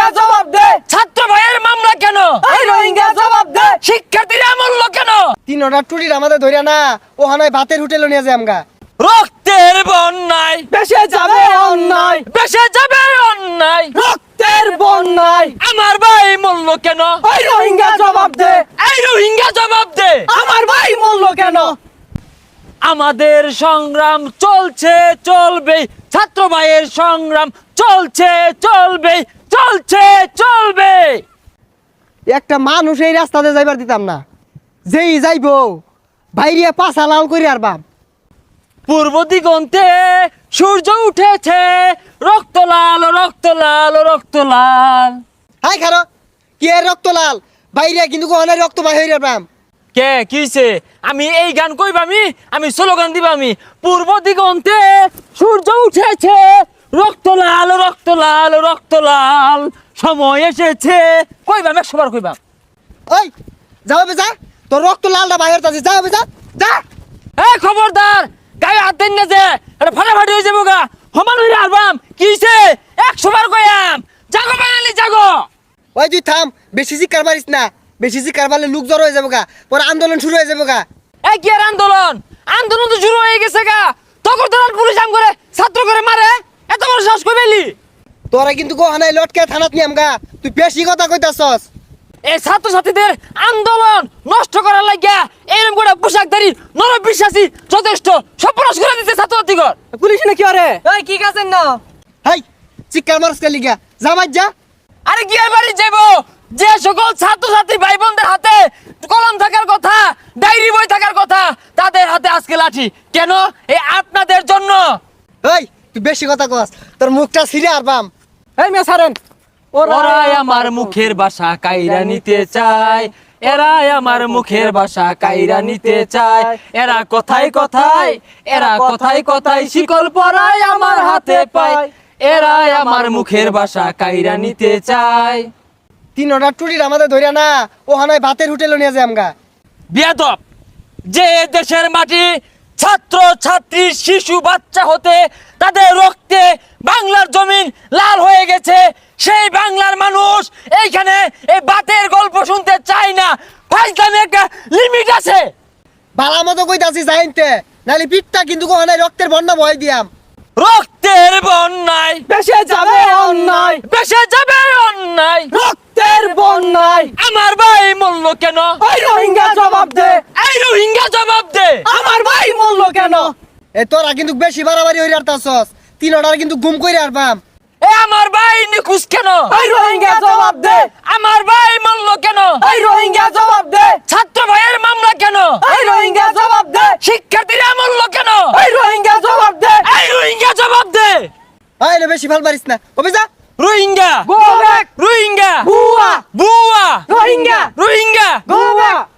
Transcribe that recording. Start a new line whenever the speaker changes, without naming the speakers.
রোহিঙ্গা জবাব দে,
ছাত্র ভাইয়ের মামলা কেন?
এই রোহিঙ্গা জবাব দে,
শিক্ষার্থীরা মূল্য কেন?
3টা টুরির আমাদের ধরিয়া না ওখানে ভাতের হোটেলে নিয়ে যায় আমগা।
রক্তের বন্যায়
বেশে যাবে অন্যায়,
বেসে যাবে অন্যায়,
রক্তের বন্যায়,
আমার ভাই মূল্য কেন?
এই রোহিঙ্গা জবাব দে,
এই রোহিঙ্গা জবাব দে।
আমার ভাই মূল্য কেন?
আমাদের সংগ্রাম চলছে চলবে, ছাত্র ভাইয়ের সংগ্রাম চলছে চলবে, চলছে চলবে।
একটা মানুষ এই রাস্তাতে যাইবার দিতাম না, যেই যাইবো বাইরে পাছা লাল করি আর বাপ।
পূর্ব দিগন্তে সূর্য উঠেছে, রক্ত লাল রক্ত লাল রক্ত লাল।
হাই খারো কি এর রক্ত লাল, বাইরে কিন্তু ওখানে রক্ত বাহির হইরা বাম।
কে কিছে? আমি এই গান কইবামি, আমি স্লোগান দিবামি। পূর্ব দিগন্তে সূর্য উঠেছে, রক্ত লাল রক্ত লাল রক্ত লাল, সময় এসেছে। কইবাম 100 বার কইবাম।
ওই যাও বে যা, তোর রক্ত লালটা বাহির তাছে, যাও বে যা যা।
এই খবরদার, গায়ে হাত দেন না যে, এটা ফাটাফাটি হয়ে যাবো গা। সমান হইরা আলবাম কিছে? 100 বার কইয়াম। জাগো বাঙালি জাগো।
ওই তুই থাম, বেশি চিৎকার মারিস না, বেশি চিৎকার মারলে লোক জড়ো হয়ে যাবো গা, পরে আন্দোলন শুরু হয়ে যাবো গা।
এই কি আর আন্দোলন? আন্দোলন তো শুরু হয়ে গেছে গা। তখন তো পুলিশ আম করে ছাত্র করে মারে, এত বড় সাহস কই পেলি?
তোরা কিন্তু ওখানে লটকে থানাত নিয়াম গা, তুই বেশি কথা কইতাছস।
এই ছাত্র ছাত্রীদের আন্দোলন নষ্ট করার লাগিয়া এরকম করে পোশাকধারী নরবিশ্বাসী যথেষ্ট সর্বনাশ করে দিতে ছাত্রছাত্রীগণ।
পুলিশ না কি আরে? এই কি কাছেন না?
হাই চিৎকার মারস কে লিগা, যা বাজ যা।
আরে কি আর বাড়ি যাবো? যে সকল ছাত্রছাত্রী ভাই বোনদের হাতে কলম থাকার কথা, ডায়েরি বই থাকার কথা, তাদের হাতে আজকে লাঠি কেন? এই আপনাদের জন্য।
এই তুই বেশি কথা কস, তোর মুখটা ছিঁড়ে আর বাম।
এই মেয়ে ছাড়েন।
ওরাই আমার মুখের ভাষা কাইরা নিতে চায়, এরাই আমার মুখের ভাষা কাইরা নিতে চায়। এরা কথায় কথায়, এরা কথায় কথায় শিকল পরায় আমার হাতে পায়। এরাই আমার মুখের ভাষা কাইরা নিতে চায়।
3টা টুরির আমাদের ধরিয়া না ওখানে ভাতের হোটেলে নিয়ে যায় আমগা।
বেয়াদব, যে দেশের মাটি ছাত্র ছাত্রী শিশু বাচ্চা হতে তাদের রক্তে বাংলার জমিন লাল হয়ে গেছে, সেই বাংলার মানুষ এইখানে এই বাতের গল্প শুনতে চায় না। ফাইজলামে একটা লিমিট আছে।
ভালো মতো কইতাছি যাইতে, নাহলে পিঠটা কিন্তু ওখানে রক্তের বন্যা বয় দিয়াম।
রক্তের বন্যায়
বেশে যাবে অন্যায়,
বেসে যাবে অন্যায়,
রক্তের বন্যায়,
আমার ভাই মূল্য কেন?
এই রোহিঙ্গা জবাব দে,
এই রোহিঙ্গা জবাব দে।
আমার ভাই মূল্য কেন?
এ তোরা কিন্তু বেশি বাড়াবাড়ি হইরে আরতাছস, 3টার কিন্তু গুম কইরে আর বাম।
এ আমার ভাই নিখুঁজ কেন?
এই রোহিঙ্গা জবাব দে,
আমার ভাই মূল্য কেন?
এই রোহিঙ্গা জবাব দে,
ছাত্র ভাইয়ের মামলা কেন?
এই রোহিঙ্গা জবাব দে,
শিক্ষার্থীরা মূল্য কেন?
এই রোহিঙ্গা জবাব দে,
এই রোহিঙ্গা জবাব দে।
আইলে বেশি ভাল পারিস না, ওবে যা।
রোহিঙ্গা,
গো ব্যাক,
রোহিঙ্গা,
বুয়া,
বুয়া,
রোহিঙ্গা,
রোহিঙ্গা।
Go back.